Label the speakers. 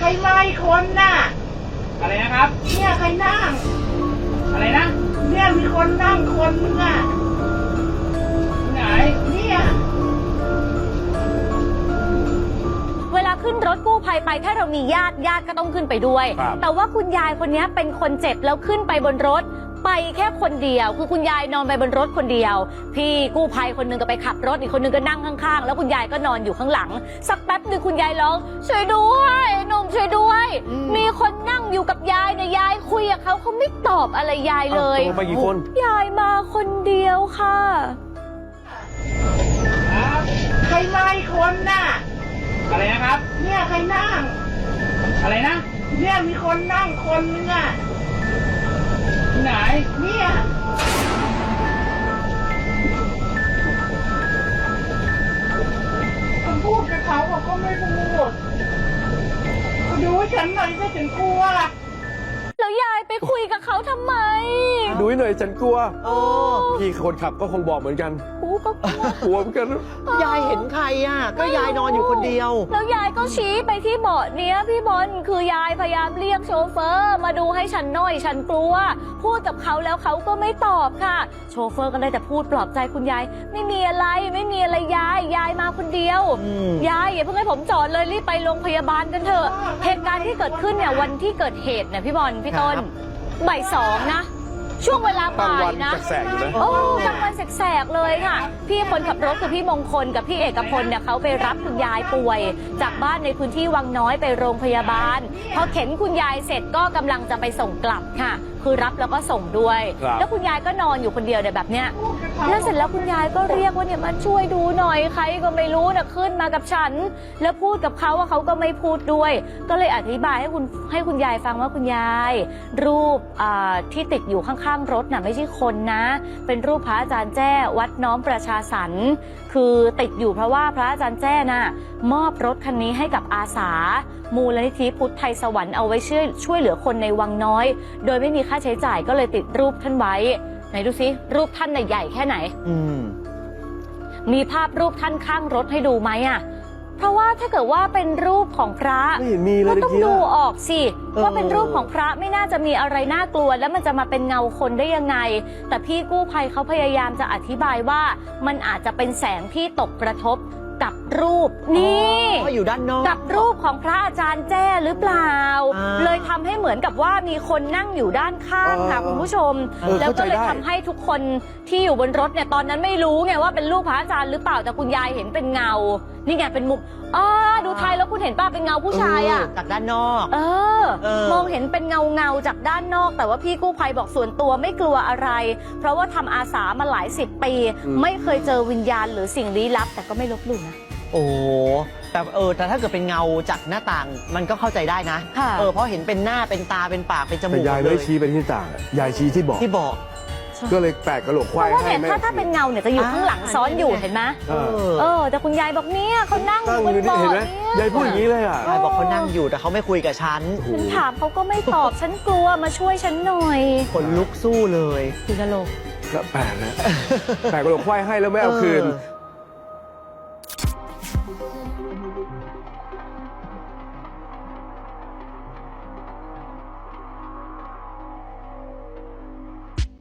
Speaker 1: รมาอีกคนน่ะ
Speaker 2: อะไรนะครับ
Speaker 1: เนี่ยใครนั่ง
Speaker 2: อะไรนะ
Speaker 1: เนี่ยมีคนนั่งคนนึงอ่ะ
Speaker 2: ที่ไหน
Speaker 1: เนี่ย
Speaker 3: เวลาขึ้นรถกู้ภัยไปถ้าเรามีญาติก็ต้องขึ้นไปด้วย แต่ว่าคุณยายคนนี้เป็นคนเจ็บแล้วขึ้นไปบนรถไปแค่คนเดียวคือคุณยายนอนไปบนรถคนเดียวพี่กู้ภัยคนหนึงก็ไปขับรถอีกคนหนึงก็นั่งข้างๆแล้วคุณยายก็นอนอยู่ข้างหลังสักแป๊บนึงคุณยายร้องช่วยด้วยหนุ่มช่วยด้วย มีคนนั่งอยู่กับยายเนี่ยยายคุยกับเขาไม่ตอบอะไรยายเลย
Speaker 4: ตกลงไปกี่คน
Speaker 3: ยายมาคนเดียวค่ะ
Speaker 2: ครับ
Speaker 1: ใครมาอีกคนน่ะ
Speaker 2: อะไรนะครับ
Speaker 1: เนี่ยใครนั่ง
Speaker 2: อะไรนะ
Speaker 1: เนี่ยมีคนนั่งคนนึงอ่ะ
Speaker 2: ที่ไหน
Speaker 1: เนี่ยผมพูดกับเขาก็ไม่พูดดูให้ฉันหน่อยสิฉันกลัว
Speaker 3: แล้วยายไปคุยกับเขาทำไม
Speaker 4: ดูให้หน่อยฉันกลัว
Speaker 5: โอ้
Speaker 4: พี่คนขับก็คงบอกเหมือนกัน
Speaker 3: กูก็กลัว
Speaker 4: กลัวเหมือนกัน
Speaker 5: ยายเห็นใครอ่ะ ก็ยายนอนอยู่คนเดียว
Speaker 3: แล้วยายก็ชี้ไปที่เบาะเนี้ยพี่บอลคือยายพยายามเรียกโชเฟอร์มาดูให้ฉันหน่อยฉันกลัวพูดกับเขาแล้วเขาก็ไม่ตอบค่ะ โชเฟอร์ก็ได้แต่พูดปลอบใจคุณยายไม่มีอะไรยายมาคนเดียวยายอย่าเพิ่งให้ผมจอดเลยรีบไปโรงพยาบาลกันเถอะเหตุการณ์ที่เกิดขึ้นเนี่ยวันที่เกิดเหตุเนี่ยพี่บอลพี่ต้นบ่ายสองนะ ช่วงเวลาบ่ายนะ
Speaker 4: แสกๆอยู่นะ
Speaker 3: โอ้กลางวันแสกๆเลยค่ะ พี่คนขับรถคือพี่มงคลกับพี่เอกพลเนี่ยเขาไปรับคุณยายป่วย จากบ้านในพื้นที่วังน้อยไปโรงพยาบาลพอเข็นคุณยายเสร็จก็กำลังจะไปส่งกลับค่ะ คือรับแล้วก็ส่งด้วย แล้วคุณยายก็นอนอยู่คนเดียวเนี่ยแบบเนี้ยแล้วเสร็จแล้วคุณยายก็เรียกว่าเนี่ยมาช่วยดูหน่อยใครก็ไม่รู้นะขึ้นมากับฉัน แล้วพูดกับเขาว่าเขาก็ไม่พูดด้วย ก็เลยอธิบายให้คุณยายฟังว่าคุณยายรูปที่ติดอยู่ข้างๆรถน่ะไม่ใช่คนนะ เป็นรูปพระอาจารย์แจ้วัดน้อมประชาสรรค์คือติดอยู่เพราะว่าพระอาจารย์แจ้น่ะมอบรถคันนี้ให้กับอาสามูลนิธิพุทธไทยสวรรค์เอาไว้ช่วยเหลือคนในวังน้อยโดยไม่มีค่าใช้จ่ายก็เลยติดรูปท่านไว้ไหนดูซิรูปท่านน่ะใหญ่แค่ไหนมีภาพรูปท่านข้างรถให้ดูไหมอ่ะเพราะว่าถ้าเกิดว่าเป็นรูปของพระ
Speaker 4: ไม่เห็นมีเลย
Speaker 3: ก็ต้องดูออกสิว่าเป็นรูปของพระไม่น่าจะมีอะไรน่ากลัวแล้วมันจะมาเป็นเงาคนได้ยังไงแต่พี่กู้ภัยเขาพยายามจะอธิบายว่ามันอาจจะเป็นแสงที่ตกกระทบกับรูปนี่
Speaker 5: อยู่ด้านนอก
Speaker 3: กับรูปของพระอาจารย์แจ้หรือเปล่าเลยทำให้เหมือนกับว่ามีคนนั่งอยู่ด้านข้างค่ะคุณผู้ชมแล้วก็เลยทำให้ทุกคนที่อยู่บนรถเนี่ยตอนนั้นไม่รู้ไงว่าเป็นรูปพระอาจารย์หรือเปล่าแต่คุณยายเห็นเป็นเงานี่ไงเป็นมุมดูไทยแล้วคุณเห็นป่ะเป็นเงาผู้ชายอ่ะ
Speaker 5: จากด้านนอก
Speaker 3: มองเห็นเป็นเงาจากด้านนอกแต่ว่าพี่กู้ภัยบอกส่วนตัวไม่กลัวอะไรเพราะว่าทำอาสามาหลาย10 ปีไม่เคยเจอวิญญาณหรือสิ่งลี้ลับแต่ก็ไม่ลบหลู่นะ
Speaker 5: โอ้แต่ถ้าเกิดเป็นเงาจากหน้าต่างมันก็เข้าใจได้นะเพราะเห็นเป็นหน้าเป็นตาเป็นปากเป็นจมูก
Speaker 4: แต่ยายไม่ชี้ไปที่ต่างยายชี้ที่บอกก็เลยแปะกระโหลกควายให้แม่
Speaker 3: ถ้าเป็นเงาเนี่ยจะอยู่ข้างหลังซ้อนอยู่เห็นไหมแต่คุณยายบอกเนี่ยเขานั่งอยู่บนเบาะเนี่ย
Speaker 4: ยายพูดอย่างนี้เลยอ่ะ
Speaker 5: ยายบอกเขานั่งอยู่แต่เขาไม่คุยกับฉัน
Speaker 3: ถามเขาก็ไม่ตอบฉันกลัวมาช่วยฉันหน่อย
Speaker 5: ขนลุกสู้เลย
Speaker 3: คือกระโหลก
Speaker 4: ก็แปะนะแปะกระโหลกควายให้แล้วไม่เอาคืน